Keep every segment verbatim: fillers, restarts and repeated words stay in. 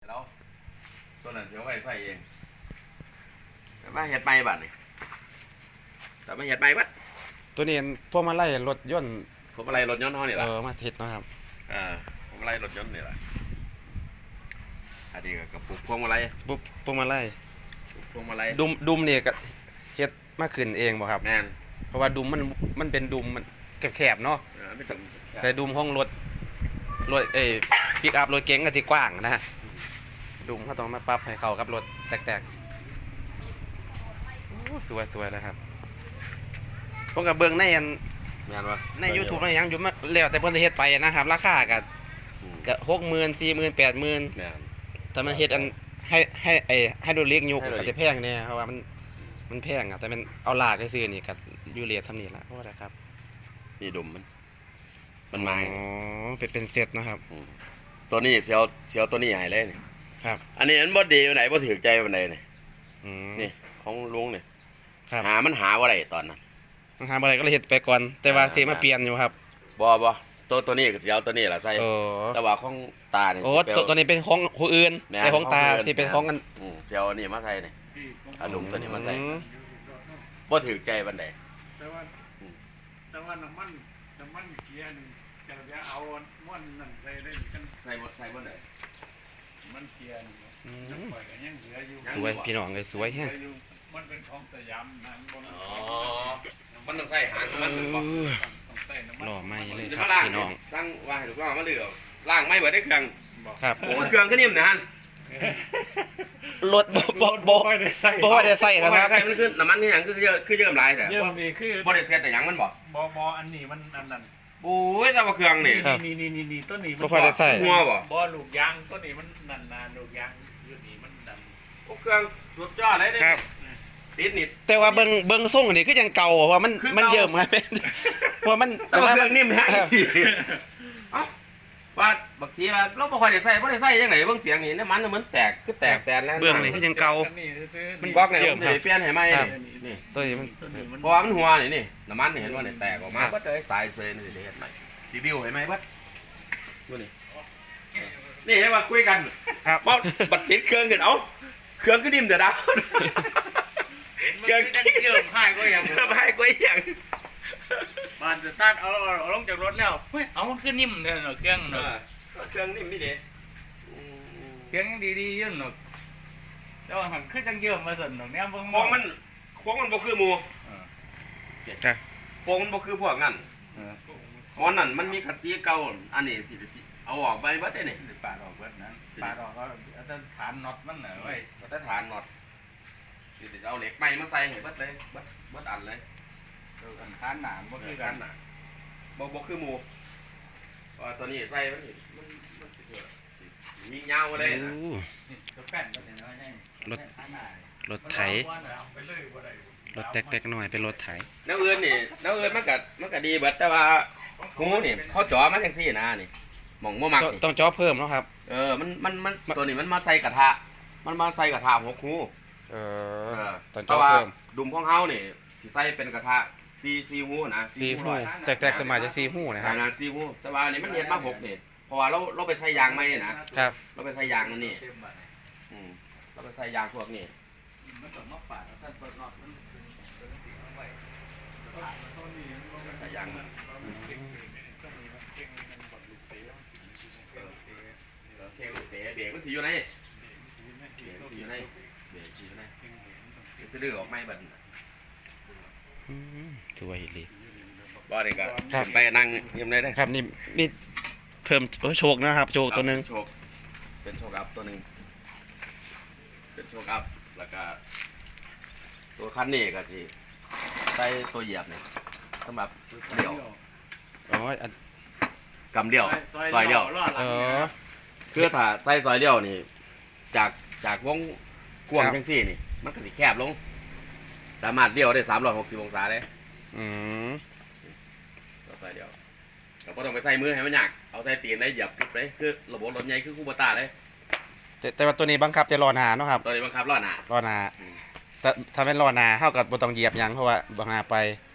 แล้วตัวนั้นเดี๋ยวไปใส่เองแต่มาเห็ดใบบัดนี่แต่มาเห็ดใบบัดตัวนี้พวกมาไล่รถยนต์ผมอะไรรถยนต์เท่านี่แหเอละอมาเฮ็ดเนาะครับอ่าผมอะไรรถยนต์นี่แหละอันนี้ก็กับปลูกพวงมาลัยปุ๊บพวกมาไล่ปลูกพวงมาลัยดุมดุมนี่ก็เฮ็ดมาขึ้นเองบ่ครับแม่นเพราะว่าดุมมันมันเป็นดุมมันแคบๆเนาะเออไม่ถึงแต่ดุมห้องรถรถเอ้ปิกอัพรถเก๋งก็ที่กว้างนะฮะดุมเขาต้องมาปรับให้เข้ากับรถแตกๆโอ้สวยๆเลยครับผมก็เบิ่งในอันแม่นวะใน YouTube ในหยังอยู่มาแล้วแต่เพิ่นสิเฮ็ดไปนะครับราคาก็ก็หกหมื่น สี่หมื่น แปดหมื่นแม่นแต่มันเฮ็ดอันให้ให้ไอ้ไฮโดรลิกยุกไฮโดรลิกก็จะแพงแน่เพราะว่ามันมันแพงอ่ะแต่มันเอาลากไปซื้อนี่ก็อยู่เรททำนี่ล่ะเพราะว่าอะไรครับนี่ดุมมันมันมาอ๋อเป็นเป็นเซตเนาะครับมตัวนี้เสียวเสียวตัวนี้ให้เลยนี่ครับอันนี้มันบ่ดีอยู่ไหนบ่ถือใจวันใดนี่อืมนี่ของลุงนี่ครับหามันหาว่าไรตอนนั้นมันหาบ่ได้ก็เลยเฮ็ดไปก่อน แต่ว่าสิมาเปลี่ยนอยู่ครับบ่บ่ตัวตัวนี้ก็สิเอาตัวนี้ล่ะใส่โอ้แต่ว่าของตานี่โอ้สิไปตัวตัวนี้เป็นของผู้อื่นแม่นแต่ของตาของผู้อื่นที่เป็นของกันอืมเสียวอันนี้มาใส่นี่เอาดุมตัวนี้มาใส่อืมบ่ถือใจบันไดแต่ว่าแต่ว่าน้ำมันน้ำมันเชียร์นี่จะจะเอาม้วนนั่นใส่ได้กันใส่บ่ใส่บ่ได้มันเชียร์นี่อืยังมปล่อยกันยังเหลืออยู่สวยพี่น้องเลยสวยแฮะเหลืออยู่มันเป็นของสยามนะบนอ๋อมันต้องใส่หางมันบ่เออต้องใส่น้ำมันหล่อไหมเลยจะครับมาล้างพี่น้องสั่งว่าให้ลูกน้องมาเลือกล้างไม่เบิดได้เครื่องบอกครับโอ้เครื่องก็นิ่มนะฮั่นรถบ่บ่บ่ค่อยได้ใส่บ่ว่าได้ใส่เพนะราะคว่ารับใส่มันคือน้ำมันคือหยังคือเยอะคือเยิ่มหลายแต่เยี่ยมนี่คือบ่ได้เซ็ตแต่หยังมันบ่บอบออันนี้มันอันนั้นโอ้ยแต่ว่าเครื่องนี่ครับนี่นี่นี่นี่ต้นนี้มับ่ค่อยได้ใส่หัวบ่บอลูกยางต้นนี้มันนันนานลูกยางอยู่นี่มันนันโอ้เครื่องสุดยอดเลยเด้ครับติดนิดแต่ว่าเบิ่งเบิ่งส่งนี่คือยังเก่าเพราะว่ามันคือเก่ามัมันเยิ่มครับ เพราะว่ามันแต่ว่าเคมัรื่องนิ่มแฮะครับเอ้าว่าบางทีว่าเราบ่ค่อยได้ใส่บ่ได้ใส่จังไดเบิ่งเตียงนี่น้ำมันมันแตกคือแตกแตนแล้วเบื้องนี่คือยังเก่าอันนี้ซื้อๆมันบล็อกเนี่ยเยิ่ผม มครัจะบเปลี่ยนให้ใหม่ครับนี่ตัวนี้มันต้นนี้มันเพราะว่ามันหัวนี่นี่น้ำมันนี่เห็นว่าเนี่ยแตกออกมาครับก็จะสายเซนนี่สิเฮ็ดใหม่รีวิวให้ไหมบัดดูนี่นี่ให้ว่าคุยกันครับบ่บัดติดเครื่องกันเอ้าเครื่องก็นิ่มเด้อดาวเครื่องเยิ่มให้ก็ยังสบายกว่าอีหยังบานจะตัดเอาเอาลงจากรถแล้วเฮ้ยเอามันขึ้นนิ่มเลยเนาะเครื่องเอเนาะอเครื่องนิ่มนี่เด้อืมเครื่องยังดีๆอยืนเนาะแต่ว่าหันขึ้นจังเยิ่มมาสั่นเนาะเนี่ยเบิ่งโค้งมันโค้งมันบ่คือหมู่ครับโค้งมันบ่คือพวกนั้นเออเพราะนั่นมันมีคัสซีเก่าอันนี้ที่ที่เอาออกไปเบิดได้นี่ปาดออกเบิดนั้นปาดออกก็เอาแต่ฐานน็อตมันน่ะเว้ยมาตรฐานน็อตสิเดี๋ยวเอาเหล็กใหม่มาใส่ให้เบิดเลยเบิดเบิดอันเลยเออกันฐานหนามบ่บ่คืคือ อกักัน นน่ะบ่บ่คือหมู่เพราะว่าตัวนี้ใส่มันสิมันมันสิเกิดสิสิมียาวมาเลยนะโอ้นี่ตัวแป้นก็เนี่ยเนาะใช่รถฐานหนามรถไถมันเอาไปเลยบ่ได้รถแตกๆหน่อยเป็นรถไถแนวอื่นนี่แนวอื่นมันก็มันก็ดีเบิดแต่ว่าหูนี่เขาจ่อมาจังซี่นะนี่หม่องบ่มักต้องนี่ต้องจ่อเพิ่มเนาะครับเออมันมันมันตัวนี้มันมาใส่กระทะมันมาใส่กระทะหกหูเอเอออต้องแต่จ่อว่าเพิ่มดุมของเฮานี่สิใส่เป็นกระทะสี่สี่หูนะซีหูร้อยแตกๆสมัยจะซีหูนะคขรับนาดสี่หูแต่ว่าอันนี้มันเฮ็ดมาหกนี่เพราะว่าเราเราไปใส่ยางใหม่นะครับ เราไปใส่ยางนั่นนี่เต็มบัดนี้อืมเราไปใส่ยางพวกนี้มันต้องมาปาดเอาท่านเปิดน็อตมันเป็นเป็นสิ่งเอาไว้ปาดมันเท่านี้มันบ่เป็นใส่ยางมันมันเก่งเลยเนี่ยต้องมีมันเก่งมันบดลูกเตะมันสิมันเก่งเตะนี่เราเครื่องเตะเบรกมันสิอยู่ไหนเก่งเบรกเตะมันสิอยู่ไหนเบรกสิอยู่ไหนเก่งเตะมันต้องเก่งจะดื้อออกไหม่บัดนี้อืมสวยเลยบ่นี่ก็ครับไปนั่งเยี่ยมได้เด้อครับนี่มีเพิ่มโอ้โชคนะครับ โชคตัวหนึงโชคเป็นโชคอัพตัวหนึงเป็นโชคอัพแล้วก็ตัวคันนี้ก็สิใส่ตัวเหยียบนี่สำหรับเดี่ยวอ๋ออันกำเดี่ยวซอยเดี่ยวเออคือถ้าใส่ซอยเดี่ยวนี่ จากจากวงกว้างครับจังซี่นี่ มันก็สิแคบลง สามารถเดี่ยวได้สามร้อยหกสิบองศาเลยอืมก็ซอยเดี่ยวก็บ่ต้องไปใส่มือให้มันยากเอาใส่ตีนได้เหยียบกึบเลยคือระบบรถใหญ่คือคูโบต้าเลยแต่แต่ว่าตัวนี้บังคับจะรอหนาเนาะครับตอนนี้บังคับล้อหน้ารอหนาอืมแต่ถ้าเป็นรอหนาเท่ากับบ่ต้องเหยียบหยังเพราะว่าบ่หนาไป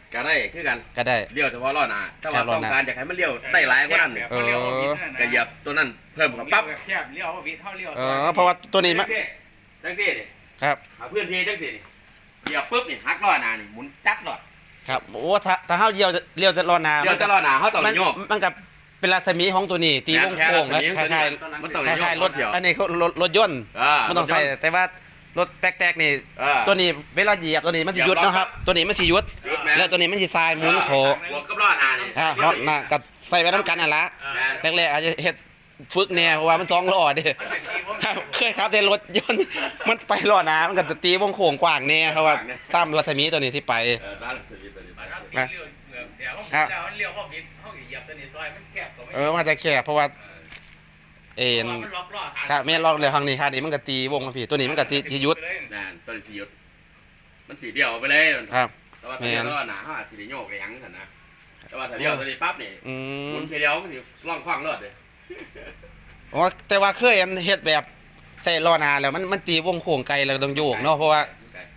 ก็ได้คือกันก็ได้เลี้ยวเฉพาะล้อหน้าถ้าว่าครับล้อต้องหน้าการอยากให้มันเลี้ยวได้หลายกว่านั้นเนี่ยเออก็เหยียบตัวนั้นเพิ่มกับปั๊บแคบเลี้ยววิทเท่าเลี้ยวเออเพราะว่าตัวนี้มันจังซี่นี่ครับหาพื้นที่จังซี่นี่เหยียบปุ๊บนี่หักล้อหน้านี่หมุนจักรล้อครับโอ้ถ้าถ้าเฮาเลี้ยวเลี้ยวจะล้อหน้าเลี้ยวจะล้อหน้าเขาต้องมันโยกมันกับเป็นรัศมีของตัวนี้ตีวงโค้งและคล้ายมันต้องๆคโยกล้ายๆรถเดียวอันนี้เขารถรถยนต์อ่ามันต้องใส่แต่ว่ารถแตกๆนี่อ่าตัวนี้เวลาเหยียบตัวนี้มันสิหยุดเนาะครับตัวนี้มันสิหยุดหยุดแม่นแล้วตัวนี้มันสิทรายหมุนโคบวกกับล้อหน้านี่อ่าเพราะน่ะก็ใส่ไว้นํกันนั่นละแม่นแรกๆอาจจะเฮ็ดฝึกแน่เพราะว่ามันสองล้อเด้ครับเคยขับแต่รถยนต์มันไปล้อหน้ามันก็จะตีวงโค้งกว้างแน่เพราะว่าซ้ำรัศมีตัวนี้ที่ไปเออร้านสวีทตัวนี้ไปเลี้ยวเดี๋ยวแล้วเลี้ยวว่าวิทเขาเหยียบตัวนี้ซอยมันแคบกว่าไม่เออมันจะแคบเพราะว่าเอ็นมันล็อกล้อครับแม่นลอกเลยทางนี้ค่ะนี่มันก็ตีวงมาพี่ตัวนี้มันก็สิสิหยุดนั่นตัวนี้สีหยุดมันสีเดียวไปเลยครับแต่ว่าถ้าเลี้ยวล้อหน้าเขาอาจจะได้โยกไปยังกันนะแต่ว่าถ้าเลี้ยวตัวนี้ปั๊บนี่อืหมุมนทีเดียวก็สิล่องคว้างรถเลยอ๋อแต่ว่าเคยอันเฮ็ดแบบใส่ล้อหน้าแล้วมันมันตีวงโค้งไกลแล้วต้องโยกเนาะเพราะว่า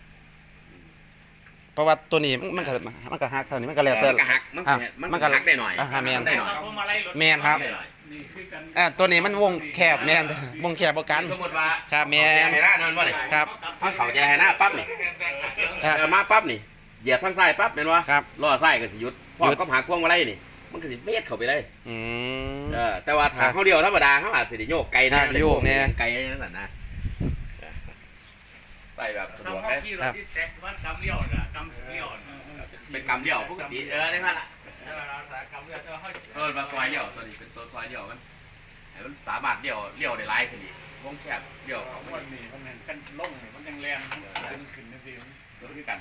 เพราะว่าตัวนี้มันมันก็มันก็หักเท่านี้มันก็แล้วแต่มันก็หักมันอ่ะสิมันมันก็ก็หักได้หน่อยอ่ะแม่นได้หน่อยแม่นครับได้หน่อยนี่คือกันอ่าตัวนี้มันวงแคบแม่นวงแคบบ่กันสมมติว่าครับแม่เอาแจให้หน้านั่นว่านี่ครับถ้าเขาแจให้หน้าปั๊บนี่ครับเออมาปั๊บนี่เหยียบทางซ้ายปั๊บเป็นวะครับล้อซ้ายก็สิหยุดพร้อหมยุดก็หักพวงมาลัยนี่ มันก็สิเวทเข้าไปเลยอืมเออแต่ว่าถ้าครับเขาเดียวธรรมดาเขาอาจจะได้โยกไกลครันะบโยกแน่ไกลนั่นน่ะนะใส่แบบสะดเขาวกเขาเลยขี่รถที่แท็กว่ากำเลี้ยวน่ะกำเลี้ยวน่ะเป็นกำเดียวปกติเออได้ค่ะล่ะกำเลี้ยวแต่ว่าเขาเออมาซอยเดียวตัวนี้เป็นตัวซอยเดียวมันให้มันสามารถเดียวเลี้ยวได้หลายขึ้นอีกวงแคบเดียวเอาเขาคไม่นนี่มันกันล่งนี่มันยังแรงขึ้นขึ้นนั่นสิรถคือกัน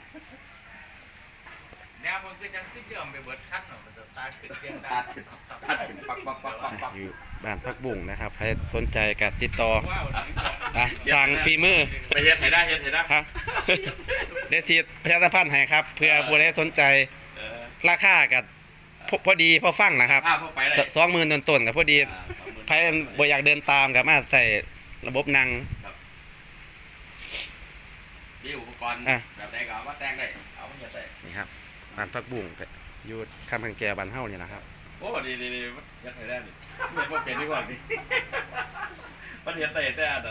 แนวมันคือจังที่เดิมไปเบิดคัดเนาะมันจะตาขึ้นเสียงตัตาดตัดขึ้นปักปักปักปักปักอยู่บ้านพักบุ่งนะครับใครสนใจก็ติดต่อว้าวอ่ะสั่งฝีมือไปเฮ็ดให้ได้เฮ็ดให้ได้ครับ เดซีประชาสัมพันธ์ให้ครับ เพื่อผู้ใดสนใจเออราคากับพอพอดีพอฟังนะครับข้าวเข้าไปเลยสองหมื่นต้นๆกับพอดีอ่าสองหมื่นใครบ่อยากเดินตามกับมาใส่ระบบนั่งมีอุปกรณ์อ่ะแบบใดก็เอามาแต่งได้เอามาเฮ็ดได้นี่ครับบ้านพักบุ่งอยู่คำพังแกบ้านเฮานี่นะครับโอ้ดีดีดีเฮ็ดให้ได้นี่เฮ็ดบ่เป็นดีกว่านี่มันเฮ็ดได้แต่อัน